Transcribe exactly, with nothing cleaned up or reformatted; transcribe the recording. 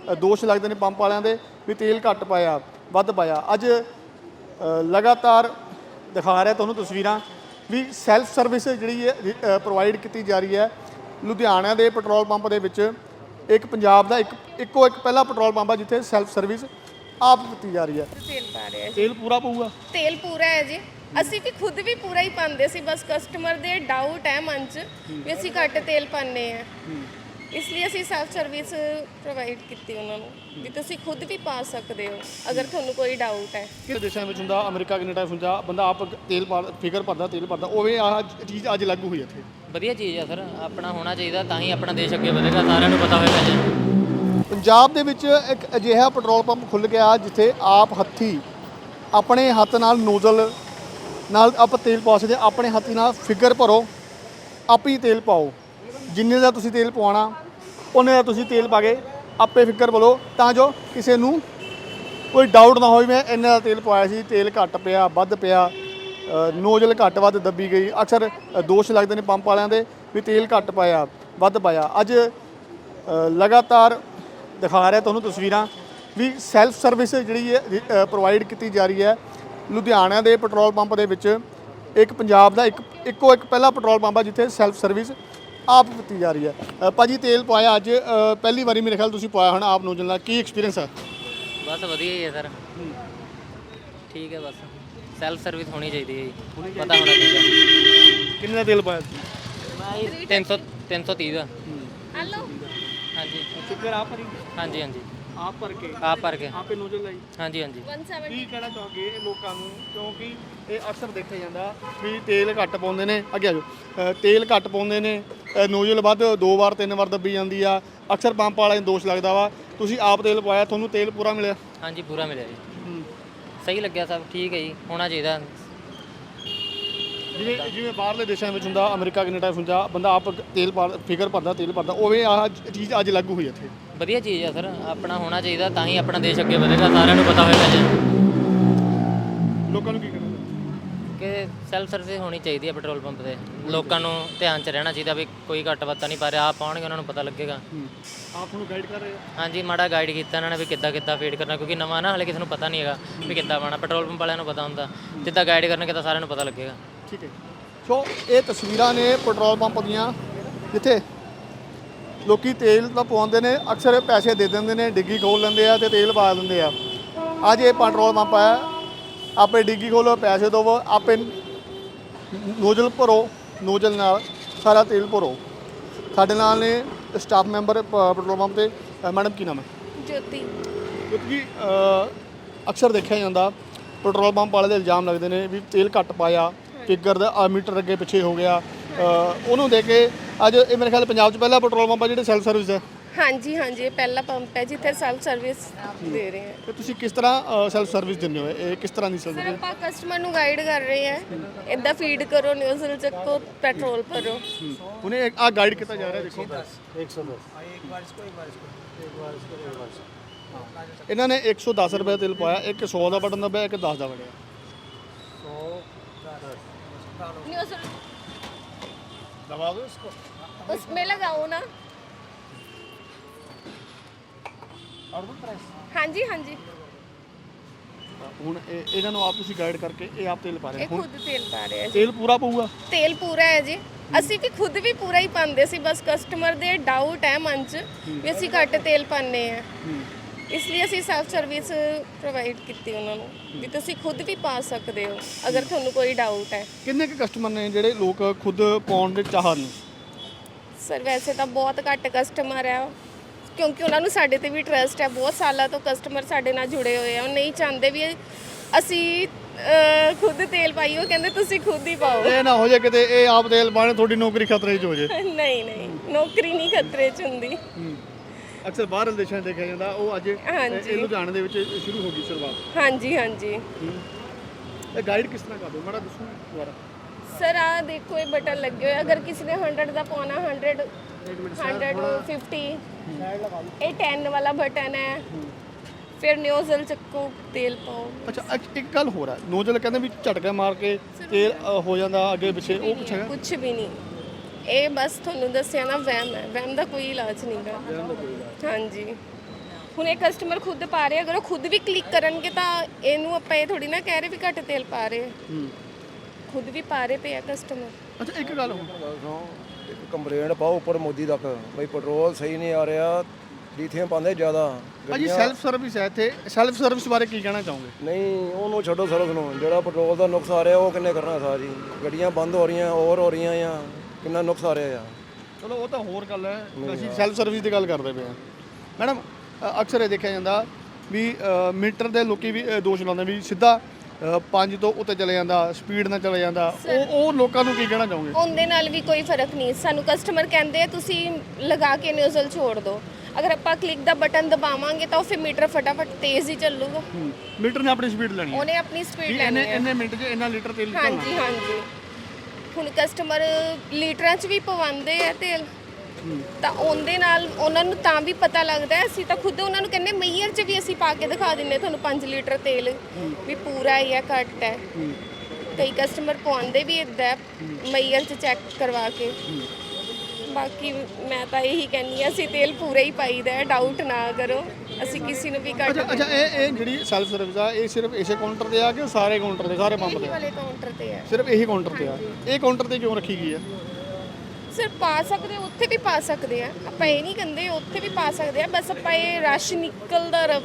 ਦੋਸ਼ ਲੱਗਦੇ ਨੇ ਪੰਪ ਵਾਲਿਆਂ ਦੇ ਵੀ ਤੇਲ ਘੱਟ ਪਾਇਆ ਵੱਧ ਪਾਇਆ। ਅੱਜ ਲਗਾਤਾਰ ਦਿਖਾ ਰਿਹਾ ਤੁਹਾਨੂੰ ਤਸਵੀਰਾਂ ਵੀ ਸੈਲਫ ਸਰਵਿਸ ਜਿਹੜੀ ਹੈ ਪ੍ਰੋਵਾਈਡ ਕੀਤੀ ਜਾ ਰਹੀ ਹੈ ਲੁਧਿਆਣਾ ਦੇ ਪੈਟਰੋਲ ਪੰਪ ਦੇ ਵਿੱਚ। ਇੱਕ ਪੰਜਾਬ ਦਾ ਇੱਕ ਇੱਕੋ ਇੱਕ ਪਹਿਲਾ ਪੈਟਰੋਲ ਪੰਪ ਆ ਜਿੱਥੇ ਸੈਲਫ ਸਰਵਿਸ ਆਪ ਕੀਤੀ ਜਾ ਰਹੀ ਹੈ। ਤੇਲ ਪਾ ਰਿਹਾ ਤੇਲ ਪੂਰਾ ਪਊਗਾ? ਤੇਲ ਪੂਰਾ ਹੈ ਜੀ। ਅਸੀਂ ਵੀ ਖੁਦ ਵੀ ਪੂਰਾ ਹੀ ਪਾਉਂਦੇ ਸੀ, ਬਸ ਕਸਟਮਰ ਦੇ ਡਾਊਟ ਹੈ ਮਨ 'ਚ ਵੀ ਅਸੀਂ ਘੱਟ ਤੇਲ ਪਾਉਂਦੇ ਆ, ਇਸ ਲਈ ਅਸੀਂ ਸੈਲਫ ਸਰਵਿਸ ਪ੍ਰੋਵਾਈਡ ਕੀਤੀ ਉਹਨਾਂ ਨੂੰ ਵੀ ਤੁਸੀਂ ਖੁਦ ਵੀ ਪਾ ਸਕਦੇ ਹੋ ਅਗਰ ਤੁਹਾਨੂੰ ਕੋਈ ਡਾਊਟ ਹੈ। ਕਿਹੜੇ ਦੇਸ਼ਾਂ ਵਿੱਚ ਹੁੰਦਾ, ਅਮਰੀਕਾ ਕੈਨੇਡਾ ਹੁੰਦਾ, ਬੰਦਾ ਆਪ ਤੇਲ ਪਾ ਫਿਕਰ ਭਰਦਾ ਤੇਲ ਭਰਦਾ, ਉਵੇਂ ਆਹ ਚੀਜ਼ ਅੱਜ ਲਾਗੂ ਹੋਈ ਇੱਥੇ। ਵਧੀਆ ਚੀਜ਼ ਆ ਸਰ, ਆਪਣਾ ਹੋਣਾ ਚਾਹੀਦਾ ਤਾਂ ਹੀ ਆਪਣਾ ਦੇਸ਼ ਅੱਗੇ ਵਧੇਗਾ, ਸਾਰਿਆਂ ਨੂੰ ਪਤਾ ਹੋਏਗਾ ਜੀ। ਪੰਜਾਬ ਦੇ ਵਿੱਚ ਇੱਕ ਅਜਿਹਾ ਪੈਟਰੋਲ ਪੰਪ ਖੁੱਲ੍ਹ ਗਿਆ ਜਿੱਥੇ ਆਪ ਹੱਥੀ ਆਪਣੇ ਹੱਥ ਨਾਲ ਨੋਜ਼ਲ ਨਾਲ ਆਪਾਂ ਤੇਲ ਪਾ ਸਕਦੇ, ਆਪਣੇ ਹੱਥੀ ਨਾਲ ਫਿਗਰ ਭਰੋ, ਆਪ ਹੀ ਤੇਲ ਪਾਓ, ਜਿੰਨੇ ਦਾ ਤੁਸੀਂ ਤੇਲ ਪਵਾਉਣਾ ਉਹਨੇ ਦਾ ਤੁਸੀਂ ਤੇਲ ਪਾ ਕੇ ਆਪੇ ਫਿਗਰ ਭਰੋ, ਤਾਂ ਜੋ ਕਿਸੇ ਨੂੰ ਕੋਈ ਡਾਊਟ ਨਾ ਹੋਵੇ ਮੈਂ ਇੰਨੇ ਦਾ ਤੇਲ ਪਵਾਇਆ ਸੀ, ਤੇਲ ਘੱਟ ਪਿਆ ਵੱਧ ਪਿਆ, ਨੋਜ਼ਲ ਘੱਟ ਵੱਧ ਦੱਬੀ ਗਈ। ਅਕਸਰ ਦੋਸ਼ ਲੱਗਦੇ ਨੇ ਪੰਪ ਵਾਲਿਆਂ ਦੇ ਵੀ ਤੇਲ ਘੱਟ ਪਾਇਆ ਵੱਧ ਪਾਇਆ। ਅੱਜ ਲਗਾਤਾਰ ਦਿਖਾ ਰਿਹਾ ਤੁਹਾਨੂੰ ਤਸਵੀਰਾਂ ਵੀ ਸੈਲਫ ਸਰਵਿਸ ਜਿਹੜੀ ਹੈ ਪ੍ਰੋਵਾਈਡ ਕੀਤੀ ਜਾ ਰਹੀ ਹੈ ਲੁਧਿਆਣਾ ਦੇ ਪੈਟਰੋਲ ਪੰਪ ਦੇ ਵਿੱਚ। ਇੱਕ ਪੰਜਾਬ ਦਾ ਇੱਕ ਇੱਕੋ ਇੱਕ ਪਹਿਲਾ ਪੈਟਰੋਲ ਪੰਪ ਆ ਜਿੱਥੇ ਸੈਲਫ ਸਰਵਿਸ ਆਪ ਕੀਤੀ ਜਾ ਰਹੀ ਹੈ। ਭਾਜੀ ਤੇਲ ਪਾਇਆ ਅੱਜ ਪਹਿਲੀ ਵਾਰੀ ਮੇਰੇ ਖਿਆਲ ਤੁਸੀਂ ਪਾਇਆ ਹੋਣਾ ਆਪ ਨੋਜ਼ਲ ਨਾਲ, ਕੀ ਐਕਸਪੀਰੀਅੰਸ ਹੈ? ਬਸ ਵਧੀਆ ਹੀ ਹੈ ਸਰ, ਠੀਕ ਹੈ, ਬਸ ਸੈਲਫ ਸਰਵਿਸ ਹੋਣੀ ਚਾਹੀਦੀ ਹੈ ਜੀ, ਪਤਾ ਹੋਣਾ ਚਾਹੀਦਾ। ਕਿੰਨੇ ਦਾ ਤੇਲ ਪਾਇਆ ਮੈਂ ਤਿੰਨ ਸੌ ਤਿੰਨ ਸੌ ਤੀਹ ਦਾ। ਹਲੋ ਹਾਂਜੀ ਫਿਗਰ ਆਪ ਭਰੀ? ਹਾਂਜੀ ਹਾਂਜੀ ਆਪ ਭਰ ਕੇ ਆਪ ਭਰ ਕੇ ਆਪੇ ਨੋਜ਼ਲ ਲਾਈ? ਹਾਂਜੀ ਹਾਂਜੀ। ਇੱਕ ਸੌ ਸੱਤਰ ਕੀ ਕਹਿਣਾ ਚਾਹੋਗੇ ਲੋਕਾਂ ਨੂੰ, ਕਿਉਂਕਿ ਇਹ ਅਕਸਰ ਦੇਖਿਆ ਜਾਂਦਾ ਵੀ ਤੇਲ ਘੱਟ ਪਾਉਂਦੇ ਨੇ, ਅੱਗੇ ਆ ਜਾਓ, ਤੇਲ ਘੱਟ ਪਾਉਂਦੇ ਨੇ, ਨੋਜ਼ਲ ਵੱਧ ਦੋ ਵਾਰ ਤਿੰਨ ਵਾਰ ਦੱਬੀ ਜਾਂਦੀ ਆ, ਅਕਸਰ ਪੰਪ ਵਾਲਿਆਂ ਨੂੰ ਦੋਸ਼ ਲੱਗਦਾ ਵਾ। ਤੁਸੀਂ ਆਪ ਤੇਲ ਪਵਾਇਆ, ਤੁਹਾਨੂੰ ਤੇਲ ਪੂਰਾ ਮਿਲਿਆ? ਹਾਂਜੀ ਪੂਰਾ ਮਿਲਿਆ ਜੀ, ਸਹੀ ਲੱਗਿਆ, ਸਭ ਠੀਕ ਹੈ ਜੀ, ਹੋਣਾ ਚਾਹੀਦਾ। ਜਿਵੇਂ ਜਿਵੇਂ ਬਾਹਰਲੇ ਦੇਸ਼ਾਂ ਵਿੱਚ ਹੁੰਦਾ, ਅਮਰੀਕਾ ਕੈਨੇਡਾ ਹੁੰਦਾ, ਬੰਦਾ ਆਪ ਤੇਲ ਪਾ ਫਿਕਰ ਭਰਦਾ ਤੇਲ ਭਰਦਾ, ਉਵੇਂ ਆਹ ਚੀਜ਼ ਅੱਜ ਲਾਗੂ ਹੋਈ ਇੱਥੇ। ਵਧੀਆ ਚੀਜ਼ ਆ ਸਰ, ਆਪਣਾ ਹੋਣਾ ਚਾਹੀਦਾ ਤਾਂ ਹੀ ਆਪਣਾ ਦੇਸ਼ ਅੱਗੇ ਵਧੇਗਾ, ਸਾਰਿਆਂ ਨੂੰ ਪਤਾ ਹੋਏਗਾ ਜੀ। ਲੋਕਾਂ ਨੂੰ ਕੀ ਕਹਿਣਾ ਕਿ ਸੈਲਫ ਸਰਵਿਸ ਹੋਣੀ ਚਾਹੀਦੀ ਹੈ ਪੈਟਰੋਲ ਪੰਪ ਤੇ, ਲੋਕਾਂ ਨੂੰ ਧਿਆਨ 'ਚ ਰਹਿਣਾ ਚਾਹੀਦਾ ਵੀ ਕੋਈ ਘੱਟ ਵੱਧ ਤਾਂ ਨਹੀਂ ਪਾ ਰਿਹਾ, ਆਪ ਪਾਉਣਗੇ ਉਹਨਾਂ ਨੂੰ ਪਤਾ ਲੱਗੇਗਾ। ਆਪ ਨੂੰ ਗਾਈਡ ਕਰ ਰਹੇ ਹੋ? ਹਾਂਜੀ ਮਾੜਾ ਗਾਈਡ ਕੀਤਾ ਇਹਨਾਂ ਨੇ ਵੀ ਕਿੱਦਾਂ ਕਿੱਦਾਂ ਫੀਡ ਕਰਨਾ, ਕਿਉਂਕਿ ਨਵਾਂ ਨਾ ਹਲੇ ਕਿਸੇ ਨੂੰ ਪਤਾ ਨਹੀਂ ਹੈਗਾ ਵੀ ਕਿੱਦਾਂ ਪਾਉਣਾ, ਪੈਟਰੋਲ ਪੰਪ ਵਾਲਿਆਂ ਨੂੰ ਪਤਾ ਹੁੰਦਾ, ਜਿੱਦਾਂ ਗਾਈਡ ਕਰਨਗੇ ਤਾਂ ਸਾਰਿਆਂ ਨੂੰ ਪਤਾ ਲੱਗੇਗਾ। ਠੀਕ ਹੈ। ਸੋ ਇਹ ਤਸਵੀਰਾਂ ਨੇ ਪੈਟਰੋਲ ਪੰਪ ਦੀਆਂ ਜਿੱਥੇ ਲੋਕੀ ਤੇਲ ਤਾਂ ਪਵਾਉਂਦੇ ਨੇ, ਅਕਸਰ ਪੈਸੇ ਦੇ ਦਿੰਦੇ ਨੇ, ਡਿੱਗੀ ਖੋਲ ਲੈਂਦੇ ਆ ਤੇ ਤੇਲ ਪਾ ਦਿੰਦੇ ਆ। ਅੱਜ ਇਹ ਪੈਟਰੋਲ ਪੰਪ ਆ, ਆਪੇ ਡਿੱਗੀ ਖੋਲੋ, ਪੈਸੇ ਦਿਓ, ਆਪੇ ਨੋਜ਼ਲ ਭਰੋ, ਨੋਜ਼ਲ ਨਾਲ ਸਾਰਾ ਤੇਲ ਭਰੋ। ਸਾਡੇ ਨਾਲ ਨੇ ਸਟਾਫ ਮੈਂਬਰ ਪੈਟਰੋਲ ਪੰਪ ਤੇ। ਮੈਡਮ ਕੀ ਨਾਮ ਹੈ? ਜੋਤੀ। ਕਿਉਂਕਿ ਅਕਸਰ ਦੇਖਿਆ ਜਾਂਦਾ ਪੈਟਰੋਲ ਪੰਪ ਵਾਲੇ ਦੇ ਇਲਜ਼ਾਮ ਲੱਗਦੇ ਨੇ ਵੀ ਤੇਲ ਘੱਟ ਪਾਇਆ, ਫਿਗਰ ਦਾ ਮੀਟਰ ਅੱਗੇ ਪਿੱਛੇ ਹੋ ਗਿਆ, ਉਹਨੂੰ ਦੇ ਕੇ ਅੱਜ ਇਹ ਮੇਰੇ ਖਿਆਲ ਪੰਜਾਬ 'ਚ ਪਹਿਲਾ ਪੈਟਰੋਲ ਪੰਪ ਆ ਜਿਹੜੇ ਸੈਲਫ ਸਰਵਿਸ ਹੈ। ਹਾਂਜੀ ਹਾਂਜੀ, ਇਹ ਪਹਿਲਾ ਪੰਪ ਹੈ ਜਿੱਥੇ ਸੈਲਫ ਸਰਵਿਸ ਦੇ ਰਹੇ ਹਾਂ। ਤੇ ਤੁਸੀਂ ਕਿਸ ਤਰ੍ਹਾਂ ਸੈਲਫ ਸਰਵਿਸ ਦਿੰਦੇ ਹੋ? ਇਹ ਕਿਸ ਤਰ੍ਹਾਂ ਦੀ ਸਰ ਸਰਵਿਸ? ਆਪਾਂ ਕਸਟਮਰ ਨੂੰ ਗਾਈਡ ਕਰ ਰਹੇ ਹਾਂ, ਇੱਦਾਂ ਫੀਡ ਕਰੋ, ਨਿਊਜ਼ਲ ਚੱਕੋ, ਪੈਟਰੋਲ ਭਰੋ। ਉਹਨੇ ਆ ਗਾਈਡ ਕੀਤਾ ਜਾ ਰਿਹਾ, ਦੇਖੋ ਇੱਕ ਸੌ ਦਸ ਇਹਨਾਂ ਨੇ ਇੱਕ ਸੌ ਦਸ ਰੁਪਏ ਤੇਲ ਪਾਇਆ, ਇੱਕ ਸੌ ਦਾ ਬਟਨ ਦਬਾਇਆ, ਇੱਕ ਦਸ ਦਾ ਬਟਨ। न्यूज़ल दबा दो इसको, उसमें लगाओ ना। हाँ जी हाँ जी। ਹੁਣ ਇਹ ਇਹਨਾਂ ਨੂੰ ਆਪ ਤੁਸੀਂ ਗਾਈਡ ਕਰਕੇ ਇਹ ਆਪ ਤੇਲ ਪਾ ਰਹੇ ਇਹ ਹੋ? ਖੁਦ ਤੇਲ ਪਾ ਰਹੇ ਆ ਜੀ। ਤੇਲ ਪੂਰਾ ਪਊਗਾ? ਤੇਲ ਪੂਰਾ ਹੈ ਜੀ, ਅਸੀਂ ਵੀ ਖੁਦ ਵੀ ਪੂਰਾ ਹੀ ਪਾਉਂਦੇ ਸੀ, ਬਸ ਕਸਟਮਰ ਦੇ ਡਾਊਟ ਹੈ ਮਨ 'ਚ ਵੀ ਅਸੀਂ ਘੱਟ ਤੇਲ ਪਾਉਂਦੇ ਆ, ਇਸ ਲਈ ਅਸੀਂ ਸੈਲਫ ਸਰਵਿਸ ਪ੍ਰੋਵਾਈਡ ਕੀਤੀ ਉਹਨਾਂ ਨੂੰ ਵੀ ਤੁਸੀਂ ਖੁਦ ਵੀ ਪਾ ਸਕਦੇ ਹੋ ਅਗਰ ਤੁਹਾਨੂੰ ਕੋਈ ਡਾਊਟ ਹੈ। ਕਿੰਨੇ ਕੁ ਕਸਟਮਰ ਨੇ ਜਿਹੜੇ ਲੋਕ ਖੁਦ ਪਾਉਣ ਦੇ ਚਾਹਨ? ਸਰ ਵੈਸੇ ਤਾਂ ਬਹੁਤ ਘੱਟ ਕਸਟਮਰ ਹੈ, ਕਿਉਂਕਿ ਉਹਨਾਂ ਨੂੰ ਸਾਡੇ ਤੇ ਵੀ ਟਰਸਟ ਹੈ, ਬਹੁਤ ਸਾਲਾਂ ਤੋਂ ਕਸਟਮਰ ਸਾਡੇ ਨਾਲ ਜੁੜੇ ਹੋਏ ਆ, ਉਹ ਨਹੀਂ ਚਾਹੁੰਦੇ ਵੀ ਅਸੀਂ ਖੁਦ ਤੇਲ ਪਾਈਏ, ਉਹ ਕਹਿੰਦੇ ਤੁਸੀਂ ਖੁਦ ਹੀ ਪਾਓ। ਇਹ ਨਾ ਹੋ ਜਾਏ ਕਿਤੇ ਇਹ ਆਪ ਤੇਲ ਪਾਣੇ ਤੁਹਾਡੀ ਨੌਕਰੀ ਖਤਰੇ 'ਚ ਹੋ ਜਾਏ। ਨਹੀਂ ਨਹੀਂ, ਨੌਕਰੀ ਨਹੀਂ ਖਤਰੇ 'ਚ ਹੁੰਦੀ। ਅਕਸਰ ਬਾਹਰਲੇ ਦੇਸ਼ਾਂ 'ਚ ਦੇਖਿਆ ਜਾਂਦਾ, ਉਹ ਅੱਜ ਹਾਂਜੀ। ਇਹ ਲੁਧਿਆਣੇ ਦੇ ਵਿੱਚ ਸ਼ੁਰੂ ਹੋ ਗਈ ਸ਼ੁਰੂਆਤ। ਹਾਂਜੀ ਹਾਂਜੀ। ਇਹ ਗਾਈਡ ਕਿਸ ਤਰ੍ਹਾਂ ਕਰਦੇ ਮਾੜਾ ਦੱਸੋ ਦੁਬਾਰਾ। ਸਰ ਆ ਦੇਖੋ, ਇਹ ਬਟਨ ਲੱਗੇ ਹੋਏ, ਅਗਰ ਕਿਸੇ ਨੇ हंड्रेड ਦਾ ਪਾਉਣਾ हंड्रेड हंड्रेड फिफ्टी, ਇਹ टेन ਵਾਲਾ ਬਟਨ ਹੈ, ਫਿਰ ਨਿਊਜ਼ਲ ਚੱਕੋ, ਤੇਲ ਪਾਓ। ਅੱਛਾ ਇੱਕ ਗੱਲ ਹੋਰ ਹੈ, ਨੋਜ਼ਲ ਕਹਿੰਦੇ ਵੀ ਝਟਕਾ ਮਾਰ ਕੇ ਤੇਲ ਹੋ ਜਾਂਦਾ ਅੱਗੇ ਪਿੱਛੇ, ਉਹ ਕੁਛ ਹੈਗਾ? ਕੁਛ ਵੀ ਨਹੀਂ, ਇਹ ਬਸ ਤੁਹਾਨੂੰ ਦੱਸਿਆ ਨਾ ਵਹਿਮ ਹੈ, ਵਹਿਮ ਦਾ ਕੋਈ ਇਲਾਜ ਨਹੀਂ ਗਾ। ਹਾਂਜੀ। ਹੁਣ ਇਹ ਕਸਟਮਰ ਖੁਦ ਪਾ ਰਹੇ, ਅਗਰ ਉਹ ਖੁਦ ਵੀ ਕਲਿੱਕ ਕਰਨਗੇ ਤਾਂ ਇਹਨੂੰ ਆਪਾਂ ਇਹ ਥੋੜੀ ਨਾ ਕਹਿ ਰਹੇ ਵੀ ਘੱਟ ਤੇਲ ਪਾ ਰਹੇ ਆ। ਹੂੰ ਖੁਦ ਵੀ ਪਾ ਰਹੇ ਪਏ ਆ ਕਸਟਮਰ। ਅੱਛਾ ਇੱਕ ਗੱਲ ਹੋਰ, ਗੱਲ ਸੁਣੋ, ਇੱਕ ਕੰਪਲੇਂਟ ਪਾਓ ਉੱਪਰ ਮੋਦੀ ਤੱਕ ਬਈ ਪੈਟਰੋਲ ਸਹੀ ਨਹੀਂ ਆ ਰਿਹਾ, ਲੀਥੀਅਮ ਪਾਉਂਦੇ ਜ਼ਿਆਦਾ। ਭਾਜੀ ਸੈਲਫ ਸਰਵਿਸ ਹੈ ਇੱਥੇ, ਸੈਲਫ ਸਰਵਿਸ ਬਾਰੇ ਕੀ ਕਹਿਣਾ ਚਾਹੋਗੇ? ਨਹੀਂ ਉਹਨੂੰ ਛੱਡੋ ਸਰਵਿਸ ਨੂੰ, ਜਿਹੜਾ ਪੈਟਰੋਲ ਦਾ ਨੁਕਸ ਆ ਰਿਹਾ ਉਹ ਕਿੰਨੇ ਕਰਨਾ ਸਾਰੀ। ਗੱਡੀਆਂ ਬੰਦ ਹੋ ਰਹੀਆਂ, ਓਵਰ ਹੋ ਰਹੀਆਂ ਆ, ਕਿੰਨਾ ਨੁਕਸ ਆ ਰਿਹਾ ਆ। ਚਲੋ ਉਹ ਤਾਂ ਹੋਰ ਗੱਲ ਹੈ, ਅਸੀਂ ਸੈਲਫ ਸਰਵਿਸ ਦੀ ਗੱਲ ਕਰਦੇ ਪਏ ਹਾਂ। ਮੈਡਮ ਅ, ਅਕਸਰ ਇਹ ਦੇਖਿਆ ਜਾਂਦਾ ਵੀ ਅ, ਮੀਟਰ ਦੇ ਲੋਕੀ ਵੀ ਅ, ਦੋਸ਼ ਲਾਉਂਦੇ ਵੀ ਸਿੱਧਾ ਅ, ਪੰਜ ਤੋਂ ਉੱਤੇ ਚਲੇ ਜਾਂਦਾ, ਸਪੀਡ ਨਾਲ ਚਲੇ ਜਾਂਦਾ, ਉਹ ਉਹ ਲੋਕਾਂ ਨੂੰ ਕੀ ਕਹਿਣਾ ਚਾਹੋਗੇ? ਉਹਦੇ ਨਾਲ ਵੀ ਕੋਈ ਫਰਕ ਨਹੀਂ। ਸਾਨੂੰ ਕਸਟਮਰ ਕਹਿੰਦੇ ਆ ਤੁਸੀਂ ਲਗਾ ਕੇ ਨਿਊਜ਼ਲ ਛੋੜ ਦਿਓ। ਅਗਰ ਆਪਾਂ ਕਲਿੱਕ ਦਾ ਬਟਨ ਦਬਾਵਾਂਗੇ ਤਾਂ ਉਹ ਫਿਰ ਮੀਟਰ ਫਟਾਫਟ ਤੇਜ਼ ਹੀ ਚੱਲੂਗਾ। ਮੀਟਰ ਨੇ ਆਪਣੀ ਸਪੀਡ ਲੈਣੀ ਹੈ, ਉਹਨੇ ਆਪਣੀ ਸਪੀਡ ਵੀ ਲੈਣੀ ਇੰਨੇ ਹੈ। ਇੰਨੇ ਮਿੰਟ 'ਚ ਇੰਨਾ ਲੀਟਰ ਤੇਲ ਨਿਕਲਣਾ। ਹਾਂਜੀ ਹਾਂਜੀ। ਹੁਣ ਕਸਟਮਰ ਲੀਟਰਾਂ 'ਚ ਵੀ ਪਵਾਉਂਦੇ ਆ ਤੇਲ, ਤਾਂ ਉਹਦੇ ਨਾਲ ਉਹਨਾਂ ਨੂੰ ਤਾਂ ਵੀ ਪਤਾ ਲੱਗਦਾ ਹੈ। ਅਸੀਂ ਤਾਂ ਖੁਦ ਉਹਨਾਂ ਨੂੰ ਕਹਿੰਦੇ ਮਈਅਰ 'ਚ ਵੀ ਅਸੀਂ ਪਾ ਕੇ ਦਿਖਾ ਦਿੰਨੇ ਤੁਹਾਨੂੰ ਪੰਜ ਲੀਟਰ ਤੇਲ ਵੀ ਪੂਰਾ ਹੈ ਜਾਂ ਘੱਟ ਹੈ। ਕਈ ਕਸਟਮਰ ਪਵਾਉਂਦੇ ਵੀ ਇੱਦਾਂ ਮਈਅਰ 'ਚ ਚੈੱਕ ਕਰਵਾ ਕੇ। ਬਾਕੀ ਮੈਂ ਤਾਂ ਇਹੀ ਕਹਿੰਦੀ ਹਾਂ ਅਸੀਂ ਤੇਲ ਪੂਰਾ ਹੀ ਪਾਈਦਾ ਹੈ, ਡਾਊਟ ਨਾ ਕਰੋ। ਅਸੀਂ ਕਿਸੇ ਨੂੰ ਵੀ ਘੱਟ ਅੱਛਾ ਅੱਛਾ ਇਹ ਇਹ ਜਿਹੜੀ ਸੈਲਫ ਸਰਵਿਸ ਆ ਇਹ ਸਿਰਫ ਇਸੇ ਕਾਊਂਟਰ ਤੇ ਆ ਕਿ ਸਾਰੇ ਕਾਊਂਟਰ ਤੇ, ਸਾਰੇ ਪੰਪ ਇਹੀ ਤੇ? ਵਾਲੇ ਕਾਊਂਟਰ ਤੇ ਹੈ। ਸਿਰਫ ਇਹੀ ਕਾਊਂਟਰ ਤੇ ਆ। ਇਹ ਕਾਊਂਟਰ ਤੇ ਕਿਉਂ ਰੱਖੀ ਗਈ ਹੈ? ਸਰ ਪਾ ਸਕਦੇ ਉੱਥੇ ਵੀ ਪਾ ਸਕਦੇ ਆ, ਆਪਾਂ ਇਹ ਨਹੀਂ ਕਹਿੰਦੇ ਉੱਥੇ ਵੀ ਪਾ ਸਕਦੇ ਆ, ਬਸ ਆਪਾਂ ਇਹ ਰਸ਼ ਨਿਕਲਦਾ ਰਵੇ